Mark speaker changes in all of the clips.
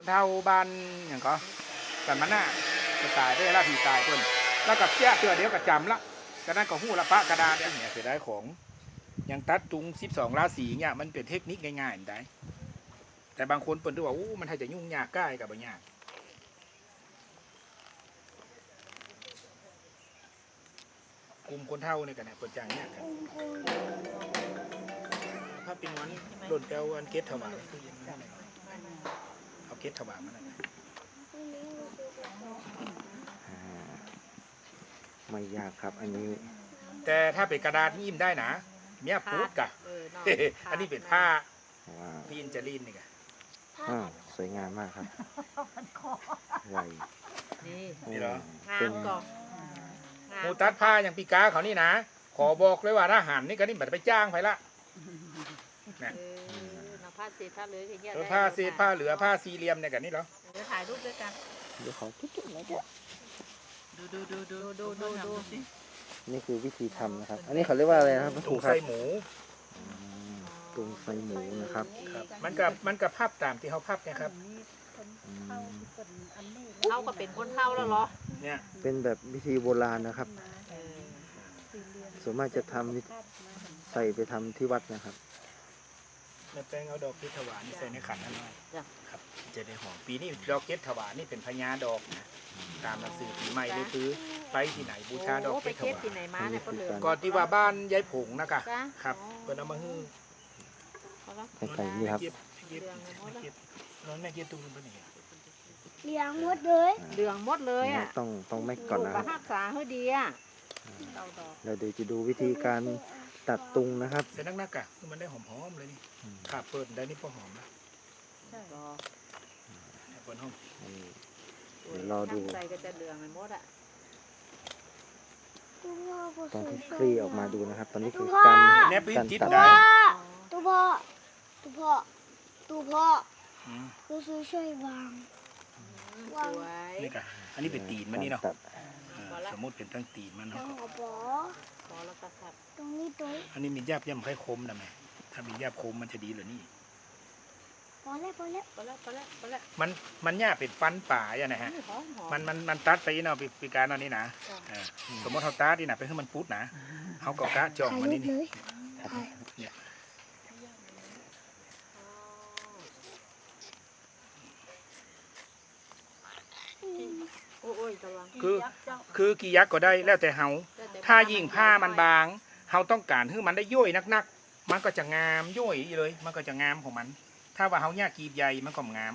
Speaker 1: เท่าบ้านอย่างก็กันมันน่ะจะตายได้ละผีตายเพิ่นแล้วก็เชี่ยเตือเดียวก็จำละก็นั่นก็หู้ละปะกระดาษเนี่ยเสียดายของอย่างตัดตุง12ราศีเนี่ยมันเป็นเทคนิคง่ายๆได้แต่บางคนเปิ้นดูว่ามันถ้าจะยุ่งยากใกล้กับบ่ยากกลุ่มคนเท่านี่กันเนี่ยเปิดจางเนี่ยกันถ้าเป็นวันโดนแปลวันเกตถวายเอาเกตถวายมาหน่อย
Speaker 2: ไม่ยากครับอันนี้
Speaker 1: แต่ถ้าเป็นกระดาษนี่ยิ้มได้นะเมียพูดกะ อันนี้เป็นผ้า
Speaker 2: ว้าว
Speaker 1: พี่อินเจลินนี่กะ
Speaker 2: สวยงามมากครับไว
Speaker 1: นี่เหรอ
Speaker 2: เป็น
Speaker 1: มูตัดผ้าอย่างปีกาเขานี่นะ ขอบอกเลยว่าทหารนี่ก็นี่บัดไปจ้างไปละนะผ้าเศษผ้าเหลือผ้าเศษผ้าเหลือผ้าสี่เหลี่ยมเนี่ยกันนี่เหรอ
Speaker 3: เดี๋ยวถ่ายรูปด้วยกัน
Speaker 2: เดี๋ยวขอจุ๊บๆหน่อยจ้ะ
Speaker 3: ดู
Speaker 2: นี่คือวิธีทำนะครับ อันนี้เขาเรียกว่าอะไรนะครับ
Speaker 1: ถุง
Speaker 2: ครั
Speaker 1: ไส้
Speaker 2: บ
Speaker 1: หมู
Speaker 2: ตุงไส้หมูนะครับ
Speaker 1: ครับมันกับภาพตามที่เขาภาพเนี่ยครับ
Speaker 3: เข้าก็เป็นคนเข้าแล้วเหรอ
Speaker 1: เนี่ย
Speaker 2: เป็นแบบวิธีโบราณนะครับส่วนมากจะทำใส่ไปทำที่วัดนะครับ
Speaker 1: แม่แป้งเอาดอกเกตถวายนี่ใส่ในขันนั่นหน่อยครับจะได้หอมปีนี้ดอกเกตถวายนี่เป็นพญาดอกนะตามหนังสือปีใหม่เลยคือไปที่ไหนบูชาดอก
Speaker 3: โอ้
Speaker 1: เก
Speaker 3: ไป
Speaker 1: ตถ
Speaker 3: เก็บ
Speaker 1: วาย
Speaker 3: ที่ไหนมาเนี่ยก็เหลือ
Speaker 1: ก่อนที่ว่าบ้านยายผงนะกะ
Speaker 3: จ้ะ
Speaker 1: ครับเพิ่นเอามาฮื้อ
Speaker 2: ใส่นี่ครับ
Speaker 1: เก็บน้องแม่เก็บตุ้งเป็นยังไง
Speaker 4: เลี้ยงหมดเลย
Speaker 3: เหลืองหมดเลยอ่ะ
Speaker 2: ต้องไม่ก่อนนะค
Speaker 3: ป
Speaker 2: รั
Speaker 3: ระ
Speaker 2: บ
Speaker 3: หักษาเฮ้ดีอ่ะเราดอก
Speaker 2: เราเดี๋ยวจะดูวิธีการตัดตุงนะครับ
Speaker 1: ใส่นักๆกะคือมันได้หอมๆเลยนี่ขาเปิดได้นี่พอหอมนะ
Speaker 3: ดอก
Speaker 1: เปิดห้อง
Speaker 2: เดี๋ยวรอดู
Speaker 3: ใส่ก็จะเหลืองไปหมดอ่ะ
Speaker 2: ตอนที่คลี่ออกมาดูนะครับ ตอนนี้คือการ
Speaker 1: แนบพื้น
Speaker 2: การ
Speaker 1: จิต
Speaker 2: ตัด
Speaker 1: ได้
Speaker 4: ตัวพ่อตัวพ่อตัวพ่อ
Speaker 1: อืม
Speaker 4: คือซื้อช่วยวาง
Speaker 3: สวย
Speaker 1: นี่กะอันนี้เป็นตีนมันนี่เนาะ
Speaker 2: ตัด
Speaker 1: สมมติเป็นตั้งตีนมัน
Speaker 4: ต้อ
Speaker 1: เนาะ
Speaker 4: งเอาปอ
Speaker 3: พอแล้วก็ขัด
Speaker 4: ตรงนี้ตัว
Speaker 1: อันนี้มีแยบย่ำไข่คมนะแม่ถ้ามีแยบคมมันจะดีเหรือนี่
Speaker 4: พอแล้ว
Speaker 3: พอแล้ว
Speaker 1: มันแยบเป็นฟันป่าอย่างนะฮะ
Speaker 3: หอม
Speaker 1: มันตัดไปเนาะปีการเนาะนี่นะสมมติเขาตัดนี่นะไปให้มันพุดนะเขาก็กะจ่อง
Speaker 4: ถ่าย
Speaker 1: มัน
Speaker 4: รู
Speaker 1: นี่
Speaker 4: ปเลยถ่าย
Speaker 1: เนี่ย
Speaker 3: โอ้ยระวัง
Speaker 1: คือกี่ยักษ์ก็ได้แล้วแต่เฮาถ้ายิ่งผ้ามันบางเฮาต้องการให้มันได้ย่อยนักๆมันก็จะงามย่อยเลย มันก็จะงามของมัน ถ้าว่าเฮาแยกกีบใหญ่มันก็งาม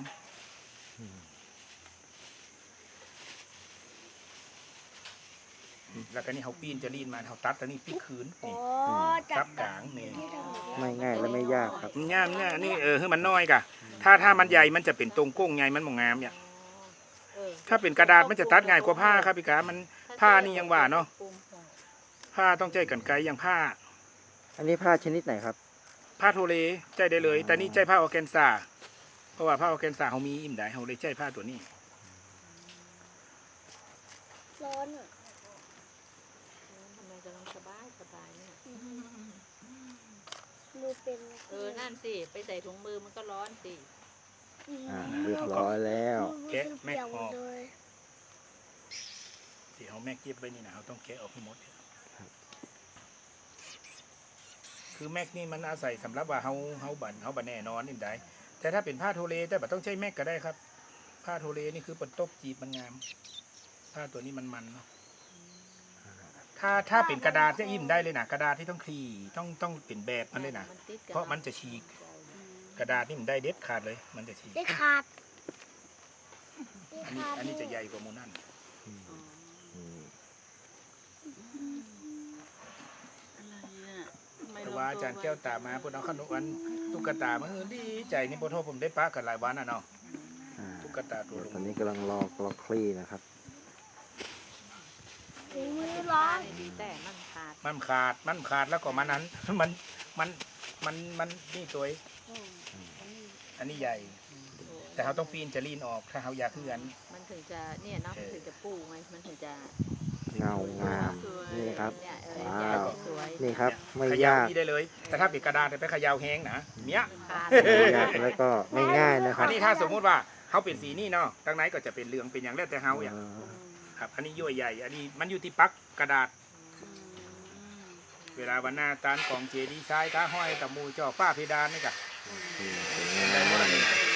Speaker 1: แล้วก็นี่เฮาปีนจะลีนมาเฮาตัดแล้วนี่ปีคืน
Speaker 4: อ๋
Speaker 1: นี่
Speaker 4: อจั
Speaker 1: ซั
Speaker 4: บบ
Speaker 1: กลางนี่
Speaker 2: ไม่ง่ายและไม่ยากครับ
Speaker 1: งามเนี่ยนี่ให้มันน้อยกะถ้ามันใหญ่มันจะเป็นตรงโก้งใหญ่มันบ่งามเนี่ยถ้าเป็นกระดาษมันจะตัดง่ายกว่าผ้าครับพี่กามันผ้านี่ยังว่าเนาะผ้าต้องใจกันไกลอย่างผ้า
Speaker 2: อันนี้ผ้าชนิดไหนครับ
Speaker 1: ผ้าโทเลใจได้เลย แต่นี่ใจผ้าออร์แกนซาเพราะว่าผ้าออร์แกนซาเขามีอิ่มได้เขาเลยใจผ้าตัวนี้
Speaker 4: ร้อนอ่ะ
Speaker 3: ทำไมกำลังสบายเนี่ย
Speaker 4: มือเป็น
Speaker 3: นั่นสิไปใส่ถุงมือมันก็ร้อนสิ
Speaker 2: เรียบร้อยแล้ว
Speaker 1: แกะแม็กออก
Speaker 4: เลย
Speaker 1: ที่เขาแม็กเก็บไว้นี่นะเขาต้องแกะออกให้หมดคือแม็กนี่มันอาศัยสำหรับว่าเขาบันแน่นอนนี่ได้แต่ถ้าเป็นผ้าโทเลแต่แบบต้องใช้แม็กก็ได้ครับ ผ้าโทเลนี่คือปนตบจีบมันงาม ผ้าตัวนี้มันเนาะถ้าเป็นกระดาษจะอิ่มได้เลยนะกระดาษที่ต้องคลี่ต้องเป็นแบบมันเลยนะเพราะมันจะฉีกกระดาษนี่มันได้เด็ดขาดเลย มันจะฉีก
Speaker 4: ได้ขาด
Speaker 1: อันนี้จะใหญ่กว่าโมนั่นแต่ว่าอาจารย์แก้วตามาพูดเอาขนมอันตุ๊กตามาดีใจนี่พอโทษผมได้ปะกันหลายวันน่ะเนาะตุ๊กตาตัวลุง
Speaker 2: ตอนนี้กำลังรอคลี่นะครับ
Speaker 4: ถุงมือร้อน
Speaker 3: ดีแต่มันขาด
Speaker 1: มันขาดแล้วก็มันนั้น มันนี่ตัวอันนี้ใหญ่ แต่เขาต้องปีนจะลีนออกถ้าเขาอยากเลื่อน
Speaker 3: มันถึงจะเนี่ยเนาะมันถึงจะปูไงมันถึงจะ
Speaker 2: เงางามนี่ครับ
Speaker 3: เนี่ย
Speaker 2: ว้าว
Speaker 3: สวย
Speaker 2: นี่ครับไม่
Speaker 1: เขย่าย
Speaker 2: าก
Speaker 1: นี่ได้เลย แต่ถ้าเป็นกระดาษไปเขย่าแห้งนะเนี้ย
Speaker 3: ขาด
Speaker 2: ไม่ยากแล้วก็ไม่ง่ายนะค
Speaker 1: อั
Speaker 2: รั
Speaker 1: น
Speaker 2: บ
Speaker 1: นี้ถ้าสมมุติว่าเขาเป็นสีนี่เนาะทางไหนก็จะเป็นเหลืองเป็นอย่างแล้วแต่เฮาอย่าง
Speaker 2: อ่า
Speaker 1: ครับอันนี้ย่อยใหญ่อันนี้มันอยู่ที่ปักกระดาษ เวลาวันหน้าตานของเจดีย์ทรายท้าห้อยตะมูจ่อฝ้าเพดานนี่กะ
Speaker 2: สวยงามมากเลย